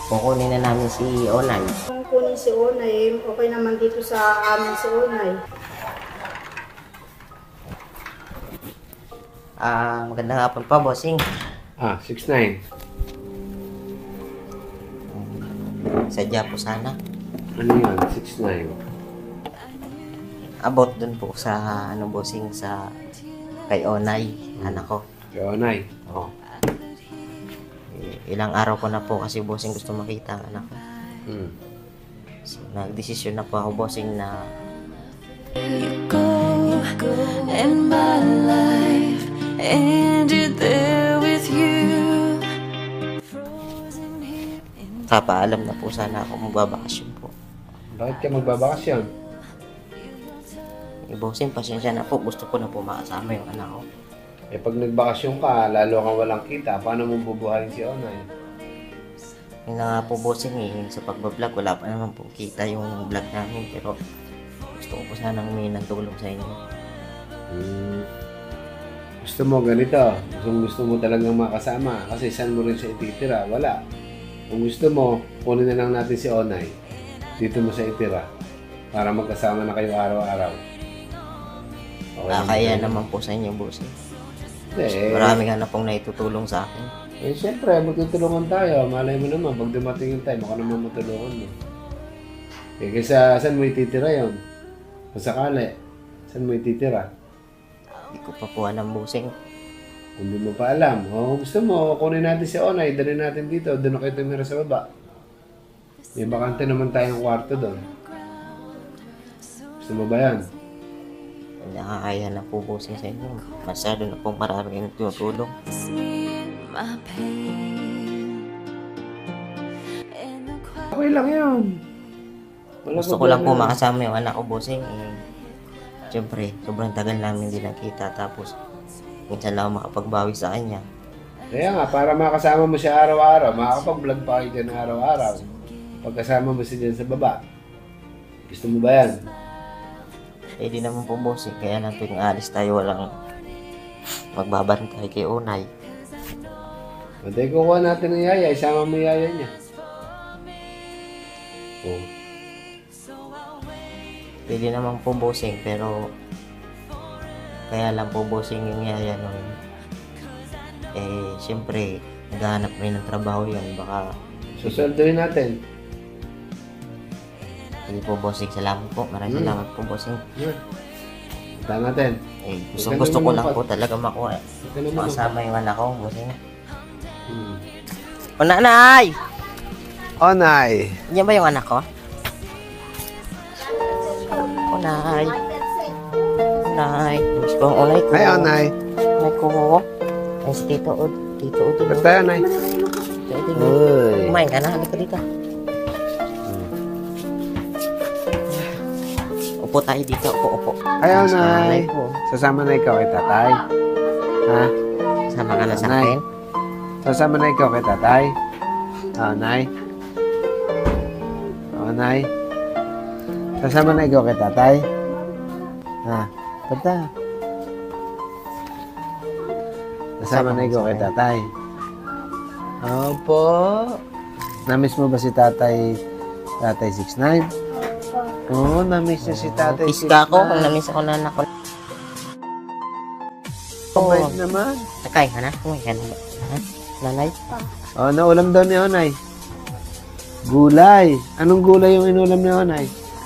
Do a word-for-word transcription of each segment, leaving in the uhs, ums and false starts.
Kukunin na namin si Onay. Kung kunin si Onay, okay naman dito sa amin si Onay. Ah, magandang hapon pa, bossing. Ah, six nine. Sadya po sana. Ano yun? six nine. About dun po sa, ano, bossing, sa kay Onay, anak ko. Yonay. Oo. Eh, Ilang araw ko na po kasi bossing gusto makita ang anak ko. Hmm. So, nagdesisyon na po ako, bossing, na Go and my life ended there with you. Frozen here in papaalam na po sana ako magbabakasyon po. Bakit ka magbabakasyon? Eh, bossing, pasensya na po. Gusto ko na po makasama yung anak ko. Eh pag nagbakasyon ka, lalo kang walang kita, paano mo bubuhayin si Onay? Yung na nga po, bossing, eh, sa pagbablog, wala pa naman po kita yung vlog namin. Pero gusto ko po sana humingi ng tulong sa inyo. Hmm. Gusto mo ganito, gusto, gusto mo talagang makasama kasi saan mo rin siya ititira? Wala. Kung gusto mo, kunin na lang natin si Onay. Dito mo siya itira para magkasama na kayo araw-araw. Okay Ah, naman kaya yun? naman po sa inyo, bossing. Eh, Marami nga na pong naitutulong sa akin. Eh, siyempre, magtutulungan tayo. Malay mo naman, pag dumating yung time, ako naman matulungan mo. Eh, kaysa saan mo ititira yun? Kung sakali, saan mo ititira? Hindi ko pa po alam, bossing. Kung di mo pa alam, o gusto mo, kunin natin si Onay, dali natin dito, doon na kayo tumira sa baba. May bakante naman tayong kwarto doon. Gusto mo ba yan? Nakakaya na po, bossing, sa inyo. Masyado na pong marami yung tinutulong. me in my pain. And the quiet Okay lang yun. Wala Gusto ko lang po problema. makasama yung anak ko, bossing. Eh, Siyempre, sobrang tagal namin din nakita. Tapos, minsan lang ako makapagbawi sa kanya. Kaya nga, para makasama mo siya araw-araw, makakapag-vlog pa kayo dyan araw-araw. Pagkasama mo siya dyan sa baba. Gusto mo ba yan? Eh, di naman po, bossing. Kaya lang tuwing alis tayo, walang magbabantay kay Onay. Matay kukuha natin ng yaya, isama mo yung yaya niya. Oh. Pwede naman po, bossing, pero kaya lang po, bossing, yung yaya nun. Eh, siyempre, naghahanap rin ng trabaho yun. Baka, Susunduin natin. hindi po, bossing. Salamat po. Maraming Hmm. salamat po, bossing. Yun. Punta natin. Eh, gusto, Huwag ka gusto ko naman lang mag- po talaga makuha. Ito naman. Makasama yung anak ko, bossing. Hmm. O, nanay! Onay. Yan ba yung anak ko? O, nay. Nay. Miss ko ang unay ko. Hi, Onay. Unay ko. Ay, si Tito Od. Tito Od. Ba't Tito tayo, Onay? Od. Uy. Kumain ka na. Halika dito. Upo tayo dito. Upo, upo. Hi, Nanay Onay. ko. Sasama na ikaw kay tatay. Ha? Sama ka na sa Nanay. akin. Sasama na ikaw kay tatay. Ah, Onay. Onay. Sasama na ikaw kay tatay. Ha? Tata. Sasama na ikaw kay tatay. Opo. Namiss mo ba si tatay, tatay six nine? Oo, namiss niya si tatay Kiss ka ako kung six nine. namiss ako na anak ko. Kumain naman. Nakain ka na? Kumain ka na ba? Ha? Nanay? Oh, naulam daw ni Onay. Gulay. Anong gulay yung inulam ni Onay?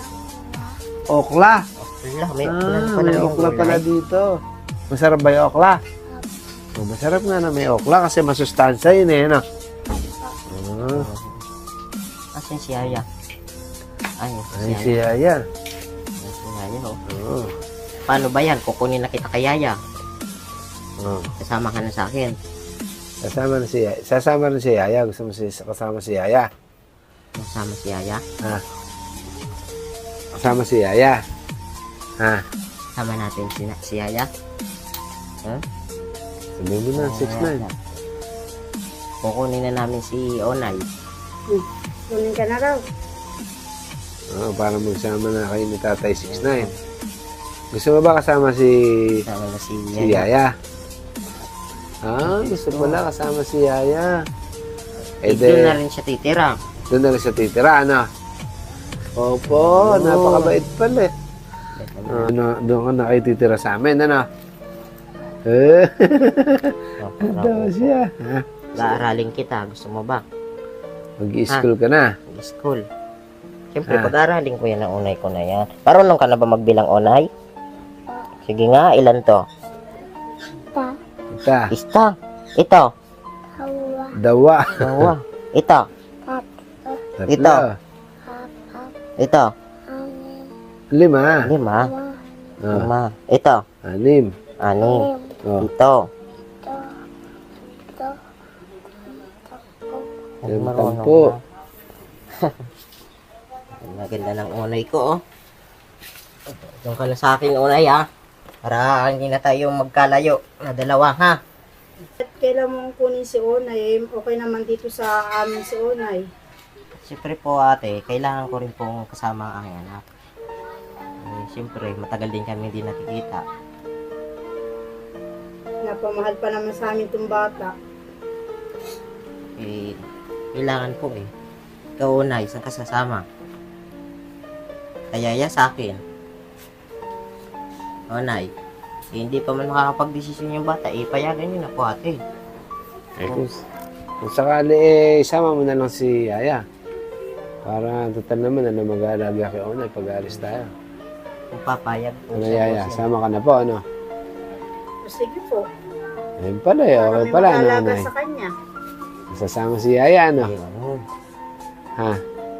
Okla. Wala, may Ah, ulan pala may yung okla pala gulay. dito. Masarap ba yung okla? Oh, masarap nga na may okla kasi masustansya yun eh, no? Ah, Asan si Yaya? Ay, ay, si Yaya. si Yaya. Ay, si Yaya, oh. Oh. Paano ba yan? Kukunin na kita kay Yaya. Oh. Kasama ka na sa akin. Sasama na si Yaya. Sasama na si Yaya. Gusto mo si, kasama si Yaya. Kasama si Yaya. Ha? Kasama si Yaya. Ha? Kasama natin si, si Yaya. Huh? Sabihin mo na, six nine. Kukunin na namin si Onay. Kunin ka na raw. Oh, para magsama na kayo ni Tatay six nine. Gusto mo ba kasama si Kasama na si si Yaya. Yaya? Ah, gusto pala kasama si Yaya. Eh, Eh, doon de- na rin siya titira. Doon na rin siya titira, ano? Opo, napakabait pala eh. Ah, ano, doon ka na kayo titira sa amin, ano? Eh, Oh, daw siya. Ha? Pag-aaralin kita, gusto mo ba? Mag-i-school ka na. School. Siyempre, Ah. pag-aaralin ko yan ang unay ko na yan. Marunong ka na ba magbilang unay? Sige nga, ilan to? Ita, Isa. Ito. dawa. Dalawa. Ito. Tatlo. Ito. Ito. Lima. Lima. Ah, Lima. Ito. anim. Anim. Oh, Ito. Ay, Yung marunong tampo. na. Ang ganda ng unay ko, oh. Doon ka na sa akin unay, ha? Para hindi na tayo magkalayo na dalawa, ha? At kailan mong kunin si Onay, okay naman dito sa amin si Onay. Siyempre po, ate, kailangan ko rin pong kasama ang aking anak. Eh, siyempre, matagal din kami hindi nakikita. Napamahal pa naman sa amin itong bata. Eh, kailangan po eh. Ikaw unay, isang kasasama. Kaya ya sa akin. Unay, eh, hindi pa man makakapag-desisyon yung bata, eh, payagan nyo na po ate. eh, kung, kung sakali, eh, isama mo na lang si Yaya. Para total naman, ano, mag-aalaga kay Onay pag-aalis tayo. Kung papayag po Ano, siya, Yaya? boss, Sama ka na po, ano? O sige po, Ayun pala, eh. para Okay may pala, ano, mag-aalaga Onay? sa kanya. Sasama si Yaya, ano? eh. Ayun. Ha?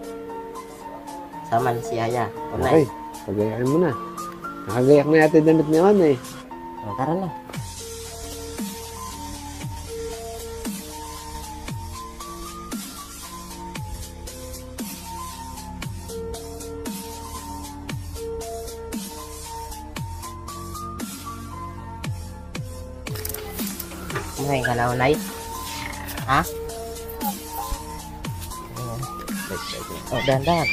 Sama ni si Yaya. Okay. Unay, Pagayakin mo na. Nakagayak na yata yung damit ni Onay. oh, tara na. Kumain ka na, Unay? Ha? Oh, dahan-dahan.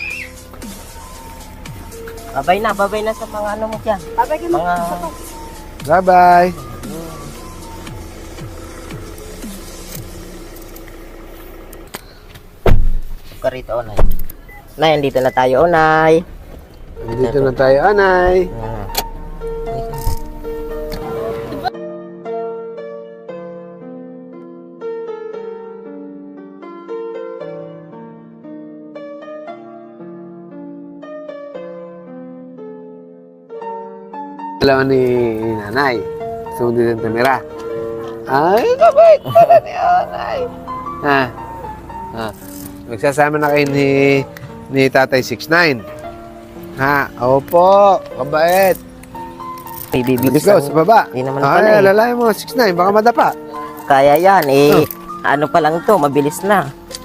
Babay na, babay na sa mga ano mo dyan. Babay ka Mga... Bye-bye! ka rito, Onay. Nay, andito na tayo, Onay. Dito na tayo, Onay. Ah. Alam ni Nanay. Gusto mo dito tumira. Ay, kabait pala ni Onay. Ha? Ha? Magsasama na kayo ni, ni Tatay six nine. Ha? Opo, kabait. Bibibilis Let's go, lang. sa baba. Hindi naman pala Ay, eh. alalayan mo, six nine, baka madapa. Kaya yan, eh. Ano pa lang to, mabilis na.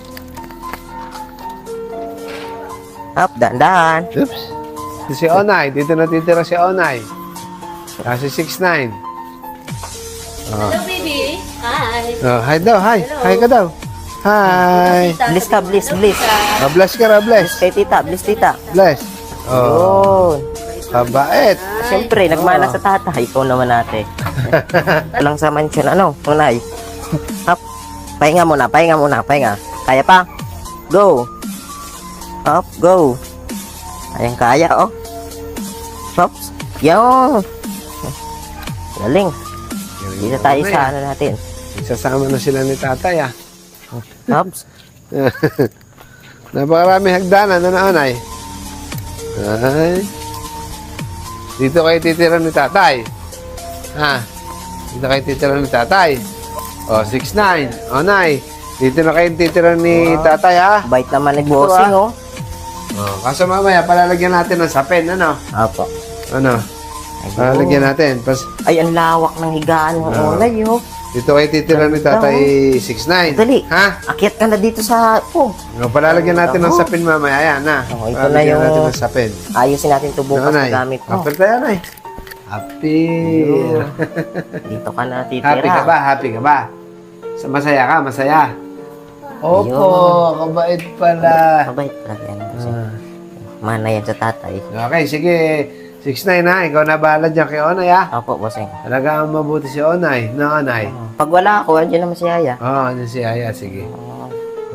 Up, dahan-dahan. Oops. Ito si Onay, dito natitira si Onay. Kasi six nine. Oh. Hello, baby. Hi. Oh, hi daw, hi. Hi ka daw. Hi. Bliss ka, bliss, bliss. Oh, bless ka na, bless. Kay tita, bliss tita. Bless. Oh, Yun. kabait. Siyempre, nagmana sa tatay. Ikaw naman ate. Lang sa mansion, ano, unay. Up. Pahinga muna, pahinga muna, pahinga. Kaya pa? Go. Up, go. Kayang kaya, oh. Pops. Yo. Galing. Dito tayo sa ano natin. Sasama na sila ni tatay, ah. Pops. Napakarami hagdanan, ano na, Onay? Ay. Dito kayo titira ni tatay. Ha? Dito kayo titira ni tatay. O, six nine. Onay. Dito na kayo titira ni tatay, ha? Bait naman ni bossing, oh. O, kaso mamaya, palalagyan natin ng sapin, ano? Apo. Ano? Palalagyan natin. Pas, Ay, ang lawak ng higaan ng Ah. unay, oh. dito kayo titira ni tatay six nine. Dali. Ha? Akyat ka na dito sa... Oh. O, palalagyan natin ng sapin mamaya. Ayan, na. Oh, ito na Palalagyan yung- natin ng sapin. Ayusin natin ito bukas Nanay. na gamit mo. Apir tayo, Nay. Apir. Dito ka na titira. Happy ka ba? Happy ka ba? Sa masaya ka? Masaya? Opo, kabait pala. Mabait pala yan. Kasi Ah. mana yan sa tatay. Okay, sige. six nine ha. Ikaw na bahala dyan kay Onay ha. Opo, bossing. Talagang mabuti si Onay. Na Onay. Pag wala ako, andyan naman si Yaya. Oo, oh, ano si Aya? Sige. Oh,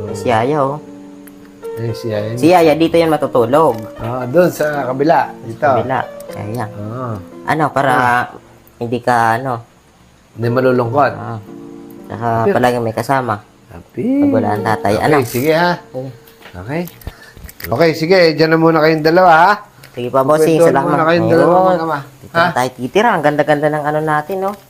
Si Yaya, oh. Eh, si Yaya. Si Yaya, dito yan matutulog. Ah, doon sa kabila. Dito. Kabila. Yaya. Ah, Ano, para hindi ka, ano, hindi malulungkot. ah, saka palagi may kasama. Happy. Pag wala ang tatay. Okay, Ano? sige ha. Sige. Okay. Okay, sige. Diyan na muna kayong dalawa ha. Sige pa, bossing. Kwentuhan Salamat. muna kayong dalawa Ayun. mag-ama. Dito na tayo titira. Ang ganda-ganda ng ano natin, no?